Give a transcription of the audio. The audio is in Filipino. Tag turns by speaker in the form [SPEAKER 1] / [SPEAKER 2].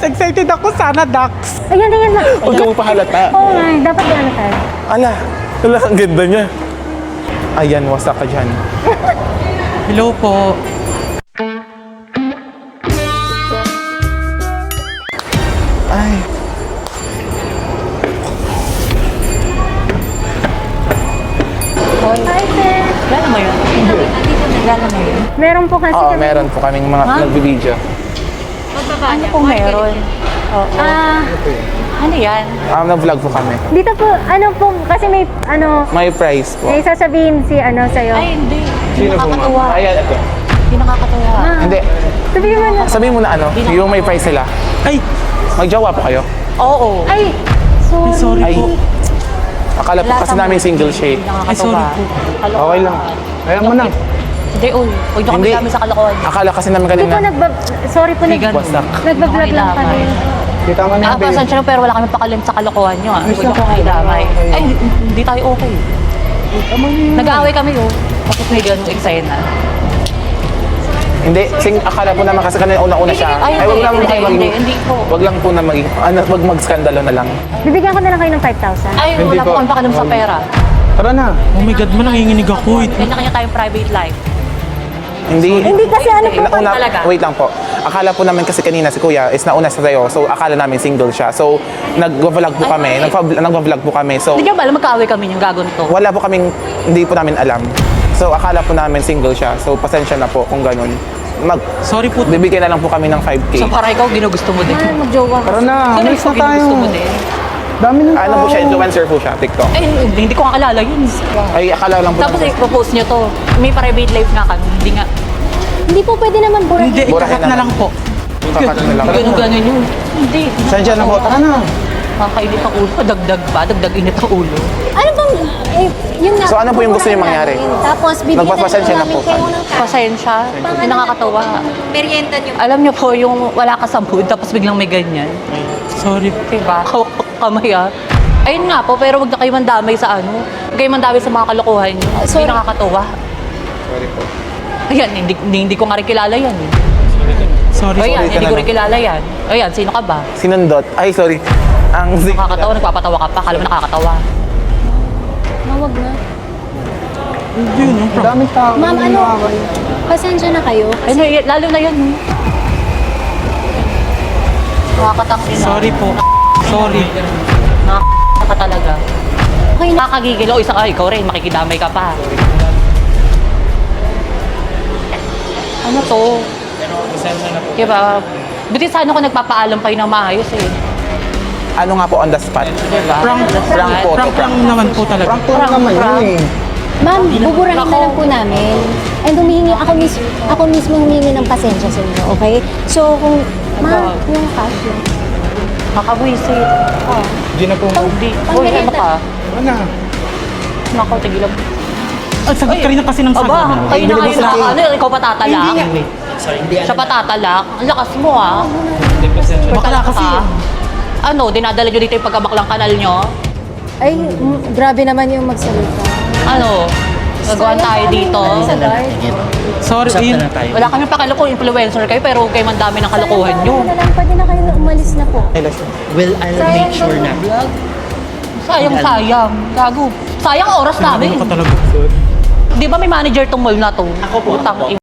[SPEAKER 1] excited ako. Sana Dax.
[SPEAKER 2] Ayan, ayan na.
[SPEAKER 3] Huwag ka mo pahalata.
[SPEAKER 2] Oo nga, dapat yan tayo.
[SPEAKER 3] Ala, ang ganda niya. Ayan, wasak ka dyan.
[SPEAKER 1] Hello po.
[SPEAKER 3] Ay,
[SPEAKER 2] Hi, sir.
[SPEAKER 4] Gala mo yun? Gala mo yun?
[SPEAKER 2] Meron po kasi
[SPEAKER 3] oo,
[SPEAKER 2] kami.
[SPEAKER 3] meron po kaming mga nagbibideo.
[SPEAKER 4] Ano kung meron? Oo. Ano yan?
[SPEAKER 3] Nag-vlog po kami.
[SPEAKER 2] Dito po, ano po, kasi may,
[SPEAKER 3] May price po.
[SPEAKER 2] may sasabihin si, sa'yo.
[SPEAKER 4] Ay, hindi. Hindi
[SPEAKER 3] Sino po,
[SPEAKER 4] nakakatuwa.
[SPEAKER 3] ma'am? Ayan, ito.
[SPEAKER 4] Hindi nakakatuwa.
[SPEAKER 3] Hindi.
[SPEAKER 2] Sabihin mo na.
[SPEAKER 3] Sabihin mo na ano, yung may price sila.
[SPEAKER 1] Ay,
[SPEAKER 3] Magjowa po kayo.
[SPEAKER 4] Oo.
[SPEAKER 2] Ay, sorry.
[SPEAKER 1] sorry
[SPEAKER 3] Ay,
[SPEAKER 1] po.
[SPEAKER 3] akala po kasi namin single shade.
[SPEAKER 4] Hindi nakakatuwa.
[SPEAKER 1] Ay, sorry po.
[SPEAKER 3] Okay lang. Kaya mo na.
[SPEAKER 4] Hindi, uy. Huwag niyo kami
[SPEAKER 3] Hindi.
[SPEAKER 4] dami sa kalokohan.
[SPEAKER 3] Akala kasi namin
[SPEAKER 2] Hindi po
[SPEAKER 3] kanina.
[SPEAKER 2] sorry po,
[SPEAKER 4] Bigan.
[SPEAKER 3] Wasak.
[SPEAKER 2] nagbablog lang kami.
[SPEAKER 3] Kita mo
[SPEAKER 4] Pasensya na pero wala kami pakalim sa kalokohan niyo. Huwag niyo kami damay. Ay, hindi tayo okay. Nag-aaway kami, oh. Tapos may ganung eksena.
[SPEAKER 3] Hindi, akala po naman kasi kanina una-una siya.
[SPEAKER 4] Ay,
[SPEAKER 3] Ay, wag lang
[SPEAKER 4] hindi,
[SPEAKER 3] kayo
[SPEAKER 4] hindi,
[SPEAKER 3] maging...
[SPEAKER 4] hindi po.
[SPEAKER 3] Wag lang po na maging... Wag mag-skandalo na lang.
[SPEAKER 2] Bibigyan ko na lang kayo ng 5,000.
[SPEAKER 4] Ay,
[SPEAKER 3] Hindi
[SPEAKER 4] wala po
[SPEAKER 3] po.
[SPEAKER 4] kami pakalim sa pera.
[SPEAKER 3] Tara na.
[SPEAKER 1] Oh my God, man, nanginginig ako.
[SPEAKER 4] Kanya-kanya tayong private life.
[SPEAKER 2] Hindi kasi ano po,
[SPEAKER 4] talaga.
[SPEAKER 3] Wait lang po. Akala po namin kasi kanina si Kuya is nauna sa tayo. So, akala namin single siya. So, nag-vlog po kami. Nag-vlog po kami. So,
[SPEAKER 4] Hindi niyo ba alam magkaaway kami yung gagon to?
[SPEAKER 3] wala po kaming... Hindi po namin alam. So, akala po namin single siya. So, pasensya na po kung ganun.
[SPEAKER 1] Sorry po.
[SPEAKER 3] Bibigyan na lang po kami ng 5K.
[SPEAKER 4] So para ikaw ginugusto mo din.
[SPEAKER 2] Mahal, mag-jowa ka.
[SPEAKER 3] Tara na,
[SPEAKER 4] Ano
[SPEAKER 3] alis
[SPEAKER 4] ikaw
[SPEAKER 3] na tayo.
[SPEAKER 4] ginugusto mo din?
[SPEAKER 3] Dami na ano po siya, influencer po siya, TikTok.
[SPEAKER 4] Ay, hindi ko kakilala yun.
[SPEAKER 3] Ay, akala lang po
[SPEAKER 4] Tapos
[SPEAKER 3] namin-
[SPEAKER 4] i-propose niyo to. May private life nga kami. Hindi nga.
[SPEAKER 2] Hindi po pwede naman burahin.
[SPEAKER 1] Hindi,
[SPEAKER 3] Burahin
[SPEAKER 1] ikakat na
[SPEAKER 3] naman.
[SPEAKER 1] lang po.
[SPEAKER 3] Kakat na lang.
[SPEAKER 4] Ganun-ganun yun. Hindi.
[SPEAKER 3] Sadya na po, tara na.
[SPEAKER 4] Kakainit ang ulo. Dagdag pa. Dagdag init ang ulo.
[SPEAKER 2] Ano bang, yun nga.
[SPEAKER 3] So, ano po yung gusto niyo mangyari?
[SPEAKER 2] Tapos, bibigyan
[SPEAKER 3] Magpapasensya na
[SPEAKER 2] namin
[SPEAKER 3] po
[SPEAKER 2] kayo
[SPEAKER 3] kami.
[SPEAKER 2] ng
[SPEAKER 4] Pasensya. Hindi nakakatawa.
[SPEAKER 2] merienda nyo.
[SPEAKER 4] Alam niyo po yung wala ka sa mood tapos biglang may ganyan.
[SPEAKER 1] Sorry po.
[SPEAKER 4] Diba? Kamay ah. Ayun nga po, pero wag na kayo mandamay sa ano. Huwag kayo mandamay sa mga kalokohan niyo. Hindi
[SPEAKER 2] sorry.
[SPEAKER 4] nakakatawa.
[SPEAKER 3] Sorry po.
[SPEAKER 4] Ayan, hindi ko nga rin kilala yan.
[SPEAKER 1] Sorry.
[SPEAKER 4] Ayan,
[SPEAKER 3] sorry ka
[SPEAKER 4] hindi
[SPEAKER 3] na
[SPEAKER 4] ko
[SPEAKER 3] lang.
[SPEAKER 4] rin kilala yan. Ayan, sino ka ba?
[SPEAKER 3] Sinundot. Ay, sorry. Ang
[SPEAKER 4] Nakakatawa, nagpapatawa ka pa. Kala mo nakakatawa.
[SPEAKER 2] Mawag na.
[SPEAKER 1] Hindi, no problem.
[SPEAKER 3] Daming tao.
[SPEAKER 2] Ma'am, pasensya na kayo.
[SPEAKER 4] Ay, no, lalo na yan. Nakakatangin na.
[SPEAKER 1] Sorry po. Sorry.
[SPEAKER 4] Nakakatawa ka talaga.
[SPEAKER 2] Okay na.
[SPEAKER 4] Nakakagigil. O, ikaw rin, makikidamay ka pa. Ano to? Diba? Buti sana ako nagpapaalam kayo ng maayos eh.
[SPEAKER 3] Ano nga po on the spot?
[SPEAKER 4] Diba?
[SPEAKER 1] Prank
[SPEAKER 3] po.
[SPEAKER 1] Prank lang naman po talaga.
[SPEAKER 3] Prank po naman yun eh.
[SPEAKER 2] Ma'am, buburahin na lang po namin. And ako mismo humingi ng pasensya sa inyo, okay? So, ma'am, yung cash yun.
[SPEAKER 4] Makabwisit.
[SPEAKER 3] Hindi na po.
[SPEAKER 4] Hindi. Uy, ano ka?
[SPEAKER 3] Ano?
[SPEAKER 4] Nako, tigilan.
[SPEAKER 1] Ang sagot ka rin na kasi ng sagot.
[SPEAKER 4] Aba, kayo na
[SPEAKER 3] Hindi
[SPEAKER 4] kayo
[SPEAKER 3] mo
[SPEAKER 4] na.
[SPEAKER 3] sa-
[SPEAKER 4] Ano, ikaw patatalak? Siya patatalak? Ang lakas mo ah.
[SPEAKER 1] Bakla kasi.
[SPEAKER 4] Ano, dinadala nyo dito yung pagkabaklang kanal nyo?
[SPEAKER 2] Ay, grabe naman yung magsalita.
[SPEAKER 4] Ano? Gagawan tayo dito?
[SPEAKER 2] Sa guard.
[SPEAKER 1] Sorry, yun.
[SPEAKER 4] Wala kami pakilo kung influencer kayo, pero kayo man dami ng kalokohan nyo.
[SPEAKER 2] Sayang, pwede na kayo na umalis na po.
[SPEAKER 3] Ay, lasyon.
[SPEAKER 5] Well, I'll make sure na.
[SPEAKER 4] Sayang. Gago. Sayang oras namin.
[SPEAKER 1] Ano ka talaga?
[SPEAKER 4] Di ba may manager tong mall na to?
[SPEAKER 5] Ako po.
[SPEAKER 4] Utang